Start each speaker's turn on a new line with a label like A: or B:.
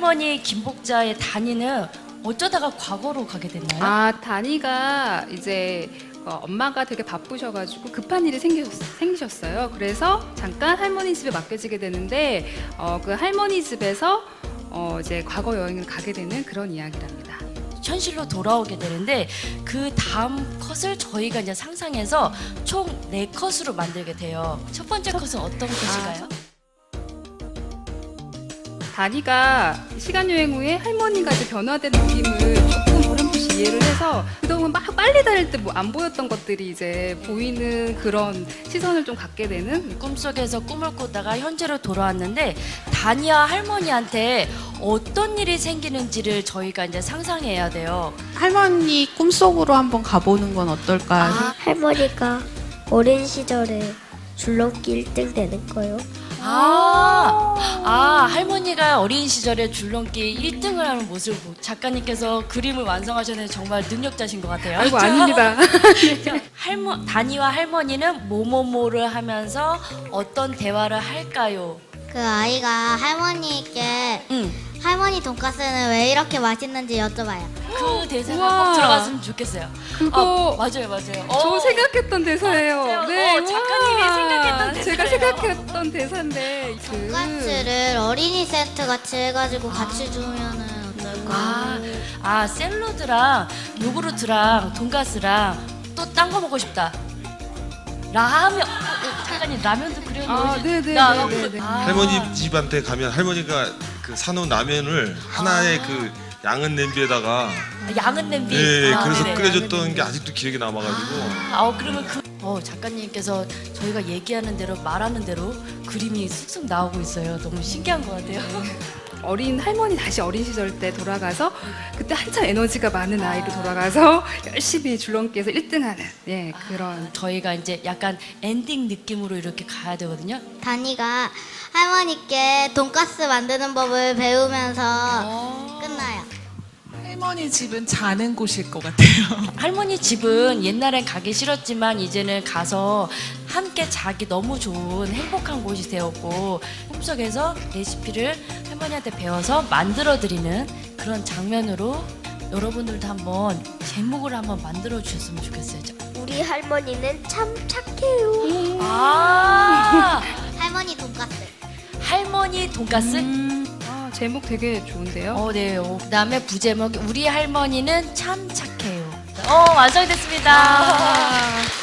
A: 할머니 김복자의 단위는 어쩌다가 과거로 가게 됐나요?
B: 아, 다니가 이제 엄마가 되게 바쁘셔가지고 급한 일이 생기셨어요. 그래서 잠깐 할머니 집에 맡겨지게 되는데 그 할머니 집에서 이제 과거 여행을 가게 되는 그런 이야기랍니다.
A: 현실로 돌아오게 되는데 그 다음 컷을 저희가 이제 상상해서 총 4컷으로 만들게 돼요. 첫 번째 컷은 어떤 컷일까요?
B: 다니가 시간 여행 후에 할머니가 이제 변화된 느낌을 조금 어렴풋이 이해를 해서 그동안 막 빨리 다닐 때 뭐 안 보였던 것들이 이제 보이는 그런 시선을 좀 갖게 되는.
A: 꿈속에서 꿈을 꾸다가 현재로 돌아왔는데 다니와 할머니한테 어떤 일이 생기는지를 저희가 이제 상상해야 돼요.
C: 할머니 꿈속으로 한번 가보는 건 어떨까요?
D: 할머니가 어린 시절에 줄넘기 1등 되는 거요.
A: 할머니가 어린 시절에 줄넘기 1등을 하는 모습을 작가님께서 그림을 완성하셨는데 정말 능력자신 것 같아요.
B: 아이고, 아닙니다.
A: 다니와 할머니는 뭐뭐뭐를 하면서 어떤 대화를 할까요?
E: 그 아이가 할머니께 할머니 돈가스는 왜 이렇게 맛있는지 여쭤봐요.
A: 그 대사가
B: 우와.
A: 꼭 들어갔으면 좋겠어요.
B: 그거
A: 맞아요.
B: 저 생각했던 대사예요.
A: 맞아요. 작가님이 생각했던 대사예요.
B: 제가 생각했던 대사인데
E: 돈가스를 어린이 세트 같이 해가지고 같이 주면은 어떨까?
A: 샐러드랑 요구르트랑 돈가스랑 또 딴 거 먹고 싶다. 라면. 작가님 라면도 그려놓으신.
B: 네네네네.
F: 할머니 집한테 가면 할머니가 그 사놓은 라면을 하나의 그 양은 냄비에다가
A: 양은 냄비.
F: 그래서
A: 네네.
F: 끓여줬던 게 아직도 기억에 남아가지고
A: 그러면 작가님께서 저희가 얘기하는 대로 말하는 대로 그림이 쑥쑥 나오고 있어요. 너무 신기한 것 같아요.
B: 어린 할머니 다시 어린 시절 때 돌아가서 그때 한참 에너지가 많은 아이로 돌아가서 열심히 줄넘기에서 1등하는 그런.
A: 저희가 이제 약간 엔딩 느낌으로 이렇게 가야 되거든요.
E: 다니가 할머니께 돈가스 만드는 법을 배우면서 끝나요.
G: 할머니 집은 자는 곳일 것 같아요.
A: 할머니 집은 옛날엔 가기 싫었지만 이제는 가서 함께 자기 너무 좋은 행복한 곳이 되었고 꿈속에서 레시피를 할머니한테 배워서 만들어드리는 그런 장면으로 여러분들도 한번 제목을 한번 만들어 주셨으면 좋겠어요.
D: 우리 할머니는 참 착해요.
E: 할머니 돈가스.
A: 할머니 돈가스?
B: 제목 되게 좋은데요.
A: 네. 그다음에 부제목 우리 할머니는 참 착해요. 완성됐습니다.